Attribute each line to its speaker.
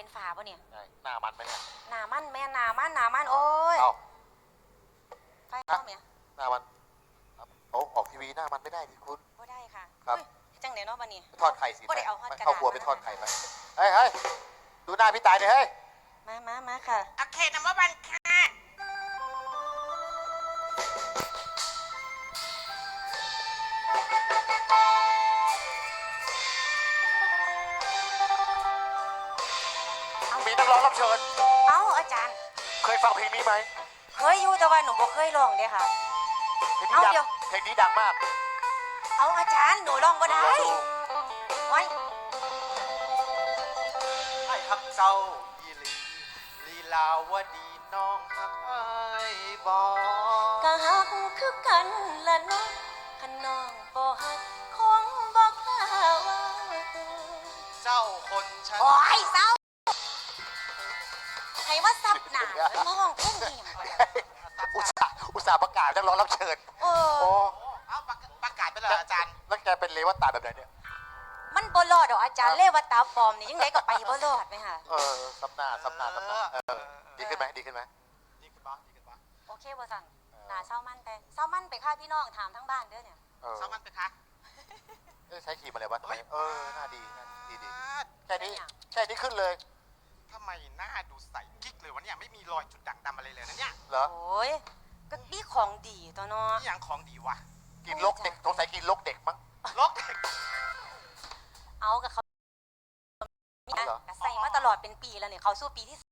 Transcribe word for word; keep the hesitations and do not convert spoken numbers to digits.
Speaker 1: เป็นฝาป่ะเนี่ย
Speaker 2: หน้ามันไหมเนี่ย
Speaker 1: หนามันแม่หนามันหนามันโอ้ย
Speaker 2: เอา
Speaker 1: ไฟเข้าเมีย
Speaker 2: หน้ามันโอ้ออกทีวีหน้ามันไม่ได้ดิคุณ
Speaker 1: ก็ได้ค่ะ
Speaker 2: ครับ
Speaker 1: จังไหนเนาะป่ะนี่
Speaker 2: ทอดไข่สิ
Speaker 1: ก็ได้เอาทอดกระดาษ
Speaker 2: เข้าครัวไปทอดไข่ไปเฮ้ยเฮ้ยดูหน้าพี่ตายเลยเฮ้ย
Speaker 1: มามามาค่ะ
Speaker 3: โอเคนัมเบอร์วันค่ะ
Speaker 2: มีนักร้องรับเชิญ
Speaker 1: เอ้าอาจารย์
Speaker 2: เคยฟังเพลงนี้ไหม
Speaker 1: เคยอยู่แต่ว่าหนูบ่เคยร้องเด้ค่ะ
Speaker 2: เพลงนี้ดังเพลงนี้ดังมาก
Speaker 1: เอาอาจารย์หนูร้องบ่ได้ไว้
Speaker 3: ไอ้ฮักเจ้าอีลีลีลาวดีน้องฮักไอ้บอก
Speaker 1: ก็ฮักคือกันละน้องคันน้องบ่ฮักคงบ่กล้าว่า
Speaker 3: เจ้าคนฉัน
Speaker 1: โอ้ยเศร้าให้ว่าซับหนาแล้วมาห้องเพ่งนี่
Speaker 2: อุตส่าห์อุตส่าห์ประกาศนักร้องรับเชิญ
Speaker 1: โอ้
Speaker 3: เอาประกาศไปเลยอาจารย์
Speaker 2: แล้วแกเป็นเลวตาแบบไหนเนี่ย
Speaker 1: มันบ่รอดดอกอาจารย์เลวตาปลอมนี่ยังไงก็ไปบ่รอดไหมคะ
Speaker 2: เออซับหน้าซับหน้าซับหน้าเออดีขึ้นไหมดีขึ้นไหม
Speaker 3: ดีขึ้นบ้างดีขึ้นบ้าง
Speaker 1: โอเคบ่สั่งหนาเศร้ามันไปเศร้ามันไปฆ่าพี่น้องถามทั้งบ้านเด้อเนี่ย
Speaker 3: เศร้ามันไปคะ
Speaker 2: ใช้ครีมอะไรวะเออหน้าดีดีดีแค่นี้แค่นี้ขึ้นเลย
Speaker 3: ทำไมหน้าดูใสกิ๊กเลยวะเนี่ยไม่มีรอยจุดด่างดำอะไรเลยนะเนี่ย
Speaker 2: เหรอ
Speaker 1: โอ้ยก็นี่ของดีตัวเนาะ
Speaker 3: นี่อย่างของดีวะ
Speaker 2: กินลกเด็กสงสัยกินลกเด็กมั้ง
Speaker 3: ลกเด็ก
Speaker 1: เอากับเขาใส่มาตลอดเป็นปีแล้วเนี่ยเขาสู้ปีที่